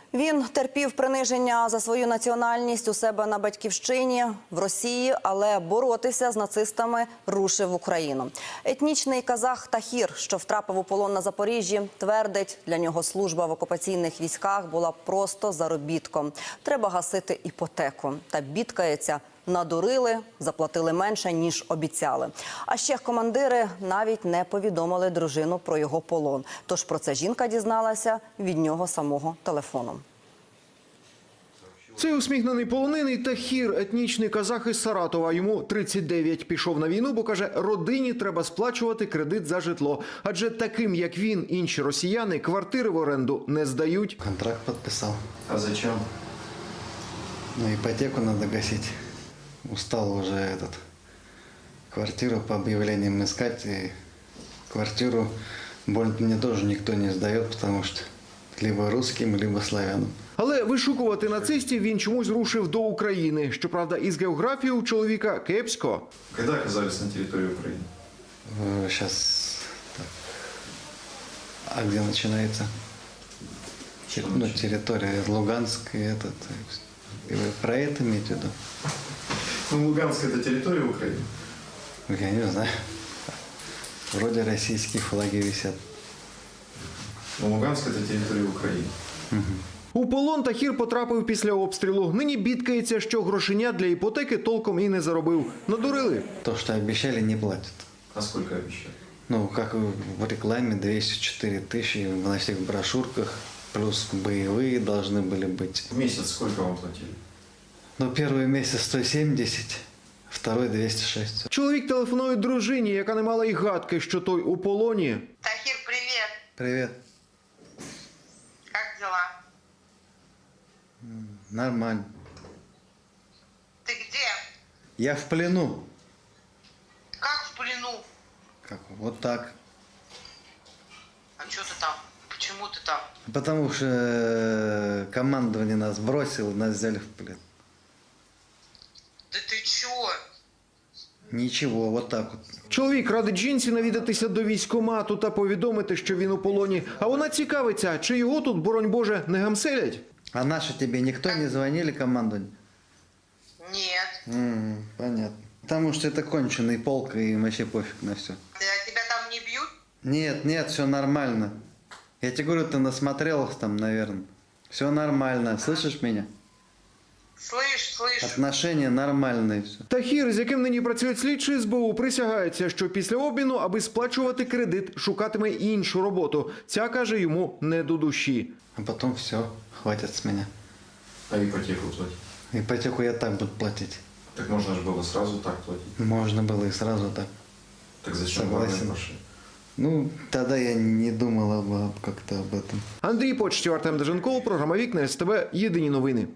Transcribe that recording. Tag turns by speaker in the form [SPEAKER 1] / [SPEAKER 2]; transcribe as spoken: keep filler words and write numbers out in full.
[SPEAKER 1] Він терпів приниження за свою національність у себе на батьківщині в Росії, але боротися з нацистами рушив в Україну. Етнічний казах Тахір, що втрапив у полон на Запоріжжі, твердить, для нього служба в окупаційних військах була просто заробітком. Треба гасити іпотеку. Та бідкається: надурили, заплатили менше, ніж обіцяли. А ще командири навіть не повідомили дружину про його полон. Тож про це жінка дізналася від нього самого телефоном.
[SPEAKER 2] Цей усміхнений полонений Тахір, етнічний казах із Саратова. Йому тридцять дев'ять. Пішов на війну, бо, каже, родині треба сплачувати кредит за житло. Адже таким, як він, інші росіяни квартири в оренду не здають.
[SPEAKER 3] Контракт подписал.
[SPEAKER 4] А зачем?
[SPEAKER 3] Ну, ипотеку надо гасить. Устал уже этот квартиру по объявлениям искать. И квартиру больно мне тоже никто не сдает, потому что либо русским, либо славянам.
[SPEAKER 2] Але вишукувати нацистів він чомусь рушив до України. Щоправда, із географією у чоловіка кепсько.
[SPEAKER 4] Когда оказались на территории Украины?
[SPEAKER 3] Сейчас... А где начинается?
[SPEAKER 4] Что
[SPEAKER 3] Ну,
[SPEAKER 4] начинается?
[SPEAKER 3] территория Луганск и этот. И вы про это имеете в виду?
[SPEAKER 4] Ну, Луганск – это территория Украины.
[SPEAKER 3] Я не знаю. Вроде российские флаги висят.
[SPEAKER 4] Но Луганск – это территория Украины.
[SPEAKER 2] У полон Тахір потрапив після обстрілу. Нині бідкається, що грошеня для іпотеки толком і не заробив. Надурили.
[SPEAKER 3] То, что обещали, не платят.
[SPEAKER 4] А сколько обещали?
[SPEAKER 3] Ну, как в рекламе, двести четыре тысячи на всех брошюрках, плюс боевые должны были быть.
[SPEAKER 4] В месяц сколько вам платили?
[SPEAKER 3] Ну, первый месяц сто семьдесят, второй двести шесть.
[SPEAKER 2] Чоловік телефонує дружині, яка не мала й гадки, що той у полоні.
[SPEAKER 5] Тахир, привет.
[SPEAKER 3] Привет.
[SPEAKER 5] Как дела?
[SPEAKER 3] Нормально.
[SPEAKER 5] Ты где?
[SPEAKER 3] Я в плену.
[SPEAKER 5] Как в плену?
[SPEAKER 3] Как? Вот так.
[SPEAKER 5] А что ты там? Почему ты там?
[SPEAKER 3] Потому что э, командование нас бросило, нас взяли в плен.
[SPEAKER 5] Да ты чё?
[SPEAKER 3] Ничего, вот так вот.
[SPEAKER 2] Чоловік радить жінці навідатися до військкомату та повідомити, що він у полоні. А вона цікавиться, чи його тут, боронь Боже, не гамселять?
[SPEAKER 3] А наши тебе никто не звонили, командование?
[SPEAKER 5] Нет.
[SPEAKER 3] М, понятно. Потому что это конченый полк и вообще пофиг на все.
[SPEAKER 5] Да тебя там не бьют?
[SPEAKER 3] Нет, нет, все нормально. Я тебе говорю, ты насмотрелась там, наверное. Все нормально. Слышишь меня?
[SPEAKER 5] Слышь, слышь.
[SPEAKER 3] Отношения нормальные все.
[SPEAKER 2] Тахір, з яким нині працюють слідчі ес бе у, присягається, що після обміну, аби сплачувати кредит, шукатиме іншу роботу. Ця, каже, йому не до душі.
[SPEAKER 3] А потом все, хватит с меня.
[SPEAKER 4] А ипотеку платить?
[SPEAKER 3] Ипотеку я так буду платить.
[SPEAKER 4] Так можно же было сразу так платить.
[SPEAKER 3] Можно было и сразу так.
[SPEAKER 4] Так зачем
[SPEAKER 3] Согласен.
[SPEAKER 4] главное пошли?
[SPEAKER 3] Ну, тогда я не думала бы как-то об этом.
[SPEAKER 2] Андрій Почтів, Артем Деженков, програма «Вікна ес те бе». Єдині новини.